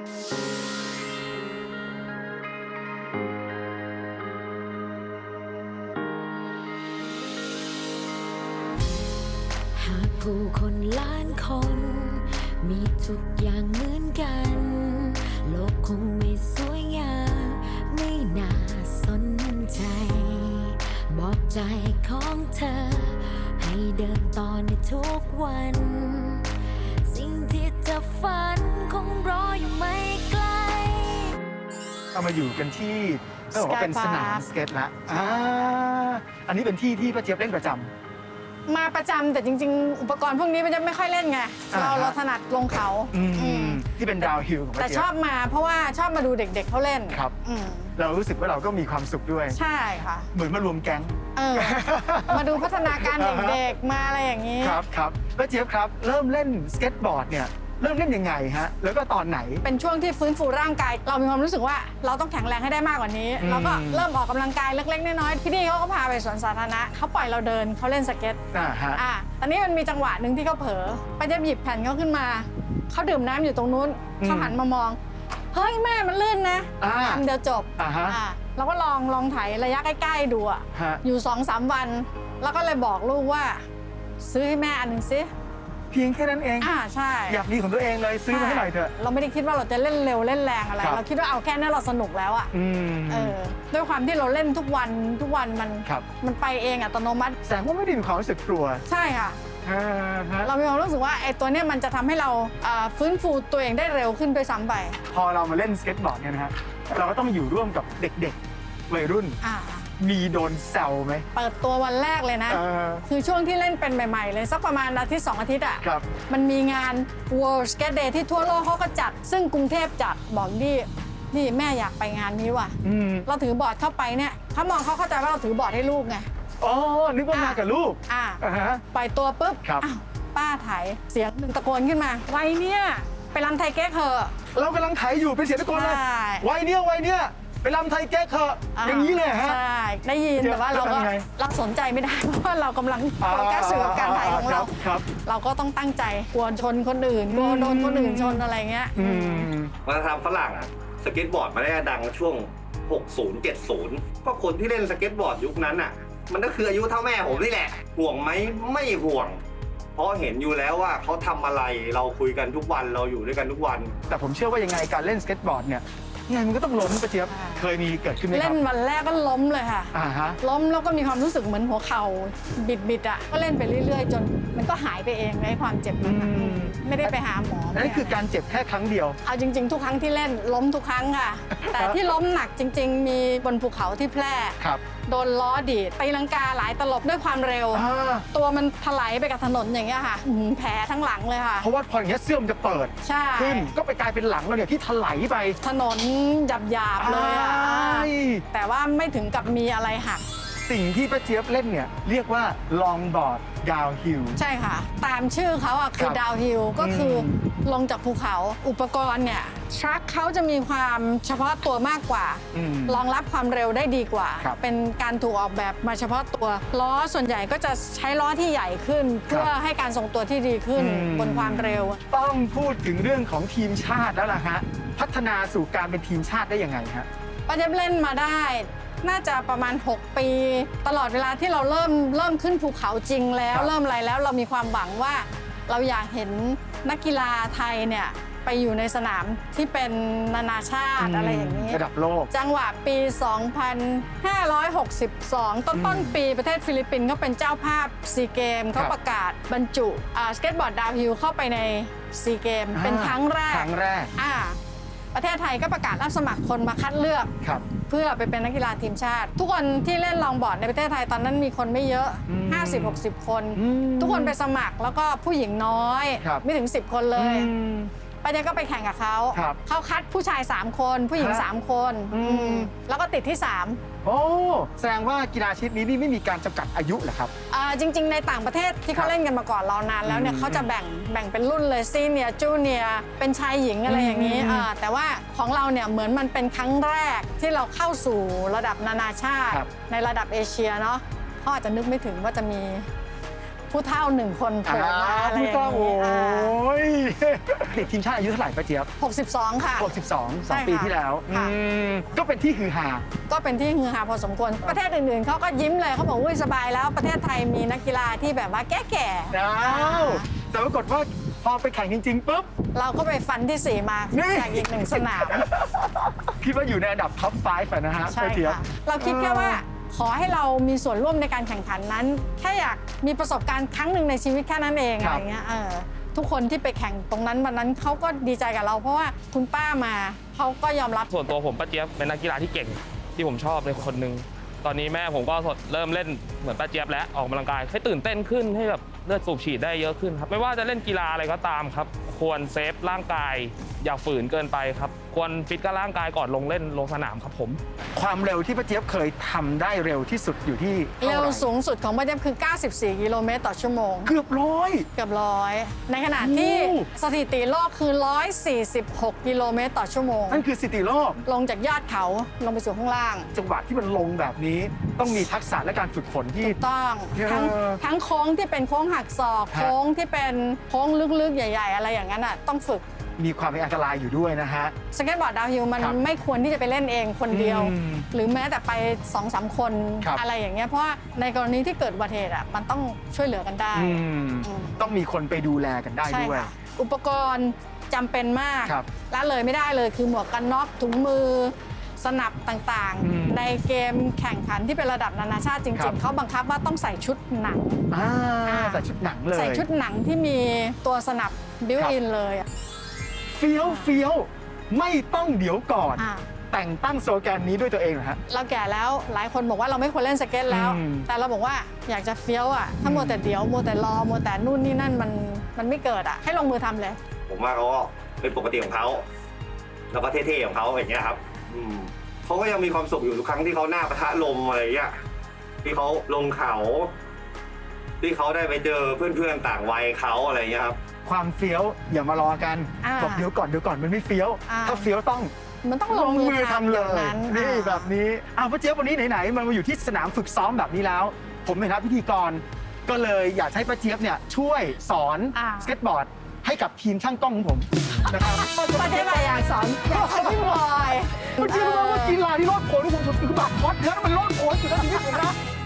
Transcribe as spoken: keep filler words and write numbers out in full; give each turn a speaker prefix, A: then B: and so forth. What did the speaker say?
A: หากผู้คนล้านคนมีทุกอย่างเหมือนกันโลกคงไม่สวยงามไม่น่าสนใจบอกใจของเธอให้เดินต่อในทุกวันสิ่งที่เธอฝันคงรออยู่ไม่ไกล
B: เรามาอยู่กันที่ต้องบอกว่าเป็นสนามสเก็ตละอ่าอันนี้เป็นที่ที่ป้าเจี๊ยบเล่นประจำ
C: มาประจำแต่จริงๆ อุปกรณ์พวกนี้มันจะไม่ค่อยเล่นไงเราเราถนัดลงเขา
B: ที่เป็นดาวฮิลของป้าเจี๊ยบ
C: แต่ชอบมาเพราะว่าชอบมาดูเด็กๆเขาเล่น
B: ครับเรารู้สึกว่าเราก็มีความสุขด้วย
C: ใช่ค่ะ
B: เหมือนมารวมแก๊ง
C: มาดูพัฒนาการเด็กๆมาอะไรอย่างนี้
B: ครับครับป้าเจี๊ยบครับเริ่มเล่นสเก็ตบอร์ดเนี่ยเริ่มเล่นยังไงฮะแล้วก็ตอนไหน
C: เป็นช่วงที่ฟื้นฟูร่างกายเรามีความรู้สึกว่าเราต้องแข็งแรงให้ได้มากกว่านี้เราก็เริ่มออกกำลังกายเล็กๆน้อยๆพี่ดีเขาก็พาไปสวนสาธารณะเขาปล่อยเราเดินเขาเล่นสเก็ต
B: อ่าฮะ
C: อ่าตอนนี้มันมีจังหวะหนึ่งที่เขาเผลอไปจะหยิบแผ่นเขาขึ้นมาเขาดื่มน้ำอยู่ตรงนู้นเขาหันมามองเฮ้ยแม่มันลื่นนะทำเดียวจบ
B: อ่าฮะ
C: เราก็ลองลองไถระยะใกล้ๆดูอ่ะอยู่สองสามวันแล้วก็เลยบอกลูกว่าซื้อให้แม่อันหนึ่งซิ
B: เพียงแค่นั้นเอง
C: อ่าใช่
B: อยากมีของตัวเองเลยซื้อมาให้หน่อยเถอะ
C: เราไม่ได้คิดว่าเราจะเล่นเร็วเล่นแรงอะไรเราคิดว่าเอาแค่นี้เราสนุกแล้วอ่ะเออด้วยความที่เราเล่นทุกวันทุกวันมันมันไปเองอัตโนมัติ
B: แสดงว่าไม่ได้มีความรู้สึกกลัว
C: ใช่ค่ะเรามีความรู้สึกว่าไอ้ตัวนี้มันจะทำให้เราฟื้นฟูตัวเองได้เร็วขึ้นด้วยซ้ำไป
B: พอเรามาเล่นสเก็ตบอร์ดเนี่ยนะฮะเราก็ต้องอยู่ร่วมกับเด็กๆวัยรุ่นมีโดนแซวไหม
C: เปิดตัววันแรกเลยนะคือช่วงที่เล่นเป็นใหม่ๆเลยสักประมาณอาทิตย์สองอาทิตย์อ่ะมันมีงาน World Skate Day ที่ทั่วโลกเขาก็จัดซึ่งกรุงเทพจัดบอกดินี่แม่อยากไปงานนี้ว่ะเราถือบอร์ดเข้าไปเนี่ยเขามองเขาเข้าใจว่าเราถือบอร์ดให้ลูกไง
B: อ๋อนึกว่ามากับลูก
C: อ่าปล่อยตัวปุ๊บอ้าวป้าถ่ายเสียงหนึ่งตะโกนขึ้นมาไว้เนี่ยไปรำไทยแก๊กเหอะ
B: เรากำลังถ่ายอยู่เป็นเสียงตะโกนเลยไว้เนี่ยไว้เนี่ยไปรำไทยแก๊กเหอะอย่างนี้เลยฮะ
C: ใช่ได้ยินแต่ว่าเราก็รับสนใจไม่ได้เพราะว่าเรากำลังโฟกัสสื่อกับการถ่ายของเราเราก็ต้องตั้งใจกลัวชนคนอื่นกลัวโดนคนอื่นชนอะไรเงี้ย
D: วัฒนธรรมฝรั่งอะสเก็ตบอร์ดมาได้ดังช่วงหกสิบ เจ็ดสิบก็คนที่เล่นสเก็ตบอร์ดยุคนั้นอะมันก็คืออายุเท่าแม่ผมนี่แหละห่วงไหมไม่ห่วงเพราะเห็นอยู่แล้วว่าเขาทำอะไรเราคุยกันทุกวันเราอยู่ด้วยกันทุกวัน
B: แต่ผมเชื่อว่ายังไงการเล่นสเก็ตบอร์ดเนี่ยไงมันก็ต้องล้มป้าเจี๊ยบเคยมีเกิดขึ้นไหมครับ
C: เล่นวันแรกก็ล้มเลยค่ะล้มแล้วก็มีความรู้สึกเหมือนหัวเข่าบิดบิดอ่ะก็เล่นไปเรื่อยๆจนมันก็หายไปเองในความเจ็บนั้นไม่ได้ไปหาหมอ
B: นั่นคือการเจ็บแค่ครั้งเดียว
C: เอาจริงๆทุกครั้งที่เล่นล้มทุกครั้งค่ะแต่ที่ล้มหนักจริงๆมีบนภูเขาที่แพร่โดนล้อดีดตีลังกาหลายตลบด้วยความเร็วตัวมันถลายไปกับถนนอย่างเงี้ยค่ะแผลทั้งหลังเลยค่ะ
B: เพราะว่าพออย่างเงี้ยเสื้อมันจะเปิดขึ้นก็ไปกลายเป็นหลังเราเนี่ยที่ถลายไป
C: ถนนหยาบๆเลยอ่ะแต่ว่าไม่ถึงกับมีอะไรหัก
B: สิ่งที่ป้าเจี๊ยบเล่นเนี่ยเรียกว่าลองบอร์ดดาวฮิล
C: ใช่ค่ะตามชื่อเขาอ่ะคือดาวฮิลก็คือลงจากภูเขาอุปกรณ์เนี่ยทรัคเขาจะมีความเฉพาะตัวมากกว่ารองรับความเร็วได้ดีกว่าเป็นการถูกออกแบบมาเฉพาะตัวล้อส่วนใหญ่ก็จะใช้ล้อที่ใหญ่ขึ้นเพื่อให้การทรงตัวที่ดีขึ้นบนความเร็ว
B: ต้องพูดถึงเรื่องของทีมชาติแล้วล่ะฮะพัฒนาสู่การเป็นทีมชาติได้ยังไงฮะ
C: ป้าเจี๊ยบเล่นมาได้น่าจะประมาณหกปีตลอดเวลาที่เราเริ่มเริ่มขึ้นภูเขาจริงแล้วเริ่มอะไรแล้วเรามีความหวังว่าเราอยากเห็นนักกีฬาไทยเนี่ยไปอยู่ในสนามที่เป็นนานาชาติอะไรอย่างนี้
B: ระดับโลก
C: จังหวะปี สองพันห้าร้อยหกสิบสอง ต้นต้นปีประเทศฟิลิปปินส์เขาเป็นเจ้าภาพซีเกมเขาประกาศบรรจุสเก็ตบอร์ดดาวฮิลเข้าไปในซีเกมเป็นครั้งแรก
B: ครั้งแรก
C: อ่าประเทศไทยก็ประกาศรับสมัครคนมาคัดเลือกเพื่อไปเป็นนักกีฬาทีมชาติทุกคนที่เล่นลองบอร์ดในประเทศไทยตอนนั้นมีคนไม่เยอะ ห้าสิบ หกสิบ คนทุกคนไปสมัครแล้วก็ผู้หญิงน้อยไม่ถึงสิบคนเลยป้าเจี๊ยบก็ไปแข่งกับเขาเขาคัดผู้ชายสามคนผู้หญิงสามคนแล้วก็ติดที่สาม
B: โอ้แสดงว่ากีฬาชนิดนี้นี่ไม่มีการจำกัดอายุเหรอครับ
C: จริงๆในต่างประเทศที่เขาเล่นกันมาก่อนเรานานแล้วเนี่ยเขาจะแบ่งแบ่งเป็นรุ่นเลยซีเนียร์จูเนียร์เป็นชายหญิงอะไรอย่างนี้แต่ว่าของเราเนี่ยเหมือนมันเป็นครั้งแรกที่เราเข้าสู่ระดับนานาชาติในระดับเอเชียเนาะเขาอาจจะนึกไม่ถึงว่าจะมีผู้เฒ่าหนึ่งคนโผล่มาอะไรอย่างนี้
B: ติดทีมชาติอายุเท่าไหร่ป้าเจี๊ยบ
C: หกสิบสองค่ะ
B: หกสิบสอง ส
C: ใช่
B: อง
C: ค่ะ
B: ปีที่แล้ว
C: ค่ะ
B: อืมก็เป็นที่ฮือฮา
C: ก็เป็นที่ฮือฮาพอสมควร ประเทศอื่นๆเขาก็ยิ้มเลยเขาบอกอุ้ยสบายแล้วประเทศไทยมีนักกีฬาที่แบบว่าแก่ๆ
B: อ้าวแต่ปรากฏว่าพอไปแข่งจริง ๆ ปุ๊บ
C: เราก็ไปฟันที่สี่มา
B: นี่
C: จากอีกหนึ่งสนาม
B: คิดว่าอยู่ในอันดับท็อปไฟว์นะฮะ
C: ใช่
B: ป้าเจี๊ยบ
C: ค่ะ เราคิดแค่ว่าขอให้เรามีส่วนร่วมในการแข่งขันนั้น แค่อยากมีประสบการณ์ครั้งหนึ่งในชีวิตแค่นั้นเอง
B: ครั
C: อะ
B: บ
C: ไรเงี้ยเออทุกคนที่ไปแข่งตรงนั้นวันนั้นเขาก็ดีใจกับเรา เพราะว่าคุณป้ามาเขาก็ยอมรับ
E: ส่วนตัวผมป้าเจี๊ยบเป็นนักกีฬาที่เก่งที่ผมชอบเลยคนหนึ่งตอนนี้แม่ผมก็เริ่มเล่นเหมือนป้าเจี๊ยบแล้วออกกำลังกายให้ตื่นเต้นขึ้นให้แบบเลือดสูบฉีดได้เยอะขึ้นครับไม่ว่าจะเล่นกีฬาอะไรก็ตามครับควรเซฟร่างกายอย่าฝืนเกินไปครับควรฟิตกับร่างกายก่อนลงเล่นลงสนามครับผม
B: ความเร็วที่ป้าเจี๊ยบเคยทำได้เร็วที่สุดอยู่ที่ท่าไห
C: เร็วสูงสุดของประเทศคือ เก้าสิบสี่ กิโลเมตรต่อชั่วโมง
B: เกือบร้อย
C: เกือบร้อยในขณะที่
B: โอ้
C: สถิติโลกคือ หนึ่งร้อยสี่สิบหก กิโลเมตรต่อชั่วโมง
B: นั่นคือสถิติโลก
C: ลงจากยอดเขาลงไปสู่ข้างล่าง
B: จังหวะที่มันลงแบบนี้ต้องมีทักษะและการฝึกฝนที่
C: ถูกต้อง
B: เออ
C: ทั้งทั้งโค้งที่เป็นโค้งหักศอก
B: ฮะ
C: โค้งที่เป็นโค้งลึกๆ ใหญ่ ๆ อะไรอย่างนั้นอ่ะต้องฝึก
B: มีความเป็นอันตรายอยู่ด้วยนะฮะ
C: สเก็ตบอร์ดดาวน์ฮิลมัน
B: ครับ
C: ไม่ควรที่จะไปเล่นเองคนเดียว
B: อืม
C: หรือแม้แต่ไปสองสามคน
B: ครับ
C: อะไรอย่างเงี้ยเพราะว่าในกรณีที่เกิดอุบัติเหตุอ่ะมันต้องช่วยเหลือกันได้
B: อืม
C: อืม
B: ต้องมีคนไปดูแลกันได้
C: ใช่
B: ด้วย
C: ค่ะอุปกรณ์จำเป็นมาก
B: ครับ
C: ละเลยไม่ได้เลยคือหมวกกันน็อกถุงมือ สนับต่าง
B: อืม
C: ๆ ในเกมแข่งขันที่เป็นระดับนานาชาติจ
B: ครั
C: ริ
B: บ
C: ง ๆ เขาบังคับว่าต้องใส่ชุดหนัง
B: อ่า
C: อ่า
B: ใส่ชุดหนังเลย
C: ใส่ชุดหนังที่มีตัวสนับบิว
B: ครับ
C: อินเลยอะ
B: เฟี้ยวเฟี้ยวไม่ต้องเดี๋ยวก่อน
C: อ่า
B: แต่งตั้งสโลแกนนี้ด้วยตัวเองเหรอฮะ
C: เราแก่แล้วหลายคนบอกว่าเราไม่ควรเล่นสเก็ตแล้ว
B: อืม
C: แต่เราบอกว่าอยากจะเฟี้ยวอ่ะถ้า
B: อืม
C: มัวแต่เดี๋ยวมัวแต่รอมัวแต่นู่นนี่นั่นมันมันไม่เกิดอ่ะให้ลงมือทำเลย
D: ผมว่าเขาก็เป็นปกติของเขา แล้วก็เท่ๆของเขาอย่างเงี้ยครับ อืมเขาก็ยังมีความสุขอยู่ทุกครั้งที่เขาหน้าปะทะลมอะไรเงี้ย ที่เขาลงเขา ที่เขาได้ไปเจอเพื่อนๆต่างวัยเขาอะไรเงี้ยครับ
B: ความเฟี้ยวอย่ามารอกัน
C: อ่า
B: บอกเดี๋ยวก่อนเดี๋ยวก่อนมันไม่เฟี้ยว
C: อ่า
B: ถ้าเฟี้ยวต้อง
C: มันต้อง
B: ล
C: ล
B: ง
C: ง
B: มื
C: มื
B: อ
C: อ
B: ทำ
C: ทำ
B: เล
C: อย่าง
B: ย
C: นั้น
B: นี่
C: อ่า
B: แบบนี้อ้าวป้าเจี๊ยบวันนี้ไหนๆมันมาอยู่ที่สนามฝึกซ้อมแบบนี้แล้ว ผมในฐานะพิธีกร ก็เลยอยากให้ป้าเจี๊ยบเนี่ยช่วยสอน
C: อ่า
B: สเก็ตบอร์ดให้กับทีมช่างกล้องของผมนะครับ
C: ประเทศไทยอยากสอนอยากสอนพี่บอย
B: ป้าเจี๊ยบรู้ไหมว่ากีฬาที่โลดโผนของผมคือแบบฮอตเนื้อมันโลดโผนสุดในชีวิตผมนะ